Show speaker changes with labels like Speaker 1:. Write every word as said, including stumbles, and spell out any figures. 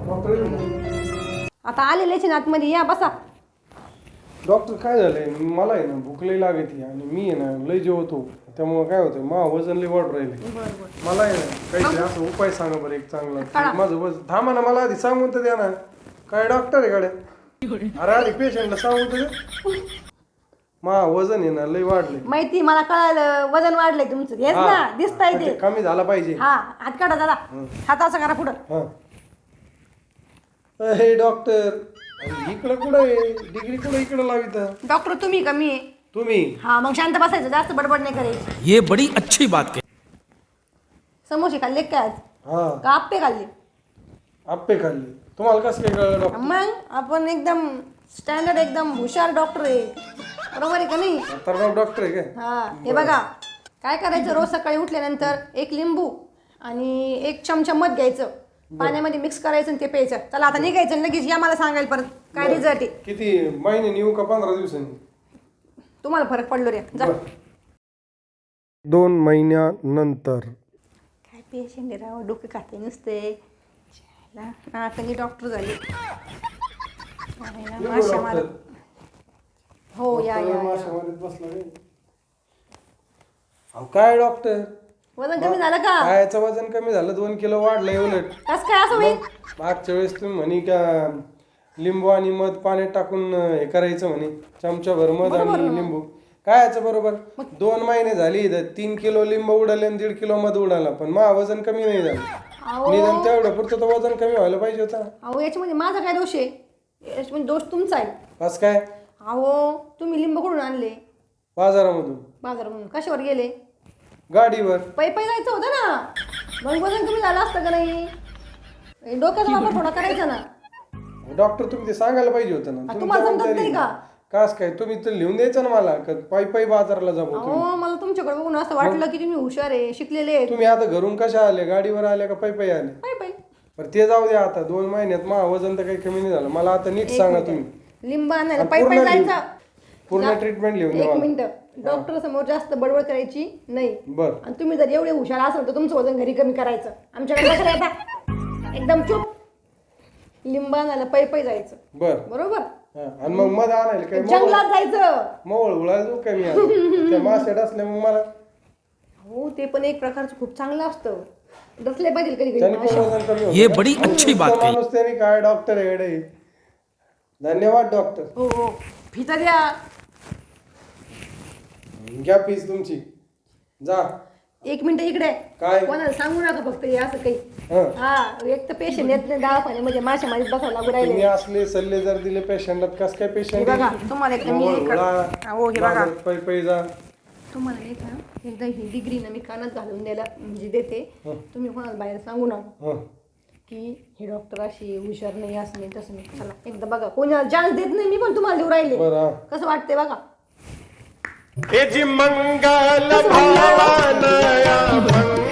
Speaker 1: आता आलेलेच आतमध्ये या बसा.
Speaker 2: डॉक्टर काय झालंय मला आहे ना भूक लई लागते आणि मी आहे ना लई जेवतो त्यामुळे काय होतं मा वजन लई वाढ राहिले. मला आहे ना काहीतरी असं उपाय सांगा बरं एक चांगला. माझं वजन थांबा ना मला आधी सांगून तर द्या ना. काय डॉक्टर आहे गाड्या अरे आधी पेशंटला सांगून तर मा वजन आहे ना लई वाढले.
Speaker 1: माहिती मला कळालं वजन वाढलंय तुमचं हेच ना दिसतंय ते
Speaker 2: कमी झाला पाहिजे.
Speaker 1: हा हात काढा दादा हात असं करा पुढं.
Speaker 2: हा हे डॉक्टर इकडं कुठं आहे डिग्री कुठं इकडं लावित
Speaker 1: डॉक्टर तुम्ही कमी आहे
Speaker 2: तुम्ही.
Speaker 1: हा मग शांत बसायचं जास्त बडबड नाही करायची.
Speaker 3: ये बड़ी अच्छी बात कही.
Speaker 1: समोसे खाल्ले काय आज
Speaker 2: हा
Speaker 1: का आप्पे खाल्ले.
Speaker 2: आप्पे खाल्ले तुम्हाला कसं काय कळलं डॉक्टर.
Speaker 1: मग आपण एकदम स्टँडर्ड एकदम हुशार डॉक्टर आहे बरोबर आहे का नाही.
Speaker 2: तर डॉक्टर आहे काय.
Speaker 1: हा हे बघा काय करायचं रोज सकाळी उठल्यानंतर एक लिंबू आणि एक चमचा मध घ्यायचं पाण्यामध्ये मिक्स करायचं आणि ते प्यायचं. चला आता निघायचं लगेच या मला सांगायला परत काय रिझल्ट आहे.
Speaker 2: किती महिने येऊ का पंधरा दिवसांनी
Speaker 1: तुम्हाला फरक पडलो रे जा.
Speaker 2: दोन महिन्यानंतर
Speaker 1: काय पेशंट आहे राव डोके खाते नुसते नाटकी डॉक्टर झाले. माशा मारत हो या या
Speaker 2: काय डॉक्टर
Speaker 1: वजन कमी झालं का.
Speaker 2: खायचं वजन कमी झालं दोन किलो वाढलंय उलट.
Speaker 1: कस काय असं होईल.
Speaker 2: मागच्या वेळेस तुम्ही म्हणे का लिंबू आणि मध पाण्यात टाकून हे करायचं म्हणे चमचा भर मध आणि लिंबू काय याचं बरोबर. दोन महिने झाली तीन किलो लिंबू उडाले आणि दीड किलो मध उडाला पण मा वजन कमी नाही झालं. निदान तेवढं पुरतं तर वजन कमी व्हायला पाहिजे होता.
Speaker 1: अहो याच्यामध्ये माझा काय दोष आहे याच्यामध्ये दोष तुमचा आहे.
Speaker 2: बस काय
Speaker 1: अहो तुम्ही लिंबू कुठून आणले
Speaker 2: बाजारामधून.
Speaker 1: बाजारामधून कशावर गेले
Speaker 2: गाडीवर.
Speaker 1: पै पै जायचं होतं ना मग वजन कमी झालं असतं का नाही. डोक्याचा वापर थोडा करायचा ना.
Speaker 2: डॉक्टर तुम्ही ते सांगायला पाहिजे होतं ना.
Speaker 1: तुम्हाला समजत नाही का.
Speaker 2: कास काय तुम्ही तर लिहून द्यायचं ना मला पायी पायी बाजाराला जाऊ.
Speaker 1: हो मला तुमच्याकडे बघून असं वाटलं की तुम्ही हुशार आहे शिकलेले आहे.
Speaker 2: तुम्ही आता घरून कशा आले गाडीवर आले का पायी पायी आले.
Speaker 1: पै पै
Speaker 2: बरं ते जाऊ द्या आता दोन महिन्यात मा वजन तर काही कमी नाही झालं. मला आता नीट सांगा तुम्ही.
Speaker 1: लिंब आणायला पै पै जायचं.
Speaker 2: पूर्ण ट्रीटमेंट लिहून द्या.
Speaker 1: एक मिनिट डॉक्टर समोर जास्त बडबड करायची नाही.
Speaker 2: बर
Speaker 1: आणि तुम्ही जर एवढे हुशार असाल तर तुमचं वजन घरी कमी करायचं. आमच्याकडे कसं येता एकदम चूप लिंब आणायला पै पै जायचं.
Speaker 2: बर
Speaker 1: बरोबर
Speaker 2: आणि मग मध आणायला काय
Speaker 1: जंगलात जायचं.
Speaker 2: मवळ उळायला जाऊ काय मी त्या मासेट असल्या मग मला.
Speaker 1: हो ते पण एक प्रकारचं खूप चांगलं असतं डसले पाहिजे कधी
Speaker 2: त्याने पण
Speaker 1: कधी.
Speaker 2: वजन कमी होतं.
Speaker 3: ये बड़ी अच्छी बात कही.
Speaker 2: माणूस त्याने काय डॉक्टर आहे. धन्यवाद डॉक्टर.
Speaker 1: हो हो फिता द्या
Speaker 2: घ्या फीस तुमची जा.
Speaker 1: एक मिनिट इकडे
Speaker 2: काय
Speaker 1: कोणाला सांगू नका फक्त हे असं काही.
Speaker 2: हं.
Speaker 1: हा एक तर पेशंट येत नाही दवाखाने म्हणजे माशा मारीत बसायला लागू
Speaker 2: तुम्ही
Speaker 1: राहिले.
Speaker 2: असले सल्ले जर दिले पेशंटला कस काय
Speaker 1: हे
Speaker 2: पेशंट
Speaker 1: बघा तुम्हाला एकदा मी हे कर- हो हे बघा
Speaker 2: पै पै जा.
Speaker 1: तुम्हाला नाही का एकदा ही डिग्री ना मी कानात घालून द्यायला म्हणजे देते. तुम्ही कोणाला बाहेर सांगू नका
Speaker 2: हं.
Speaker 1: की हे डॉक्टर अशी हुशार नाही असं नाही तसं नाही. चला एकदा बघा कोणाला चान्स देत नाही मी पण तुम्हाला देऊ राहिले.
Speaker 2: बरं
Speaker 1: कसं वाटतंय बघा.
Speaker 4: मंगल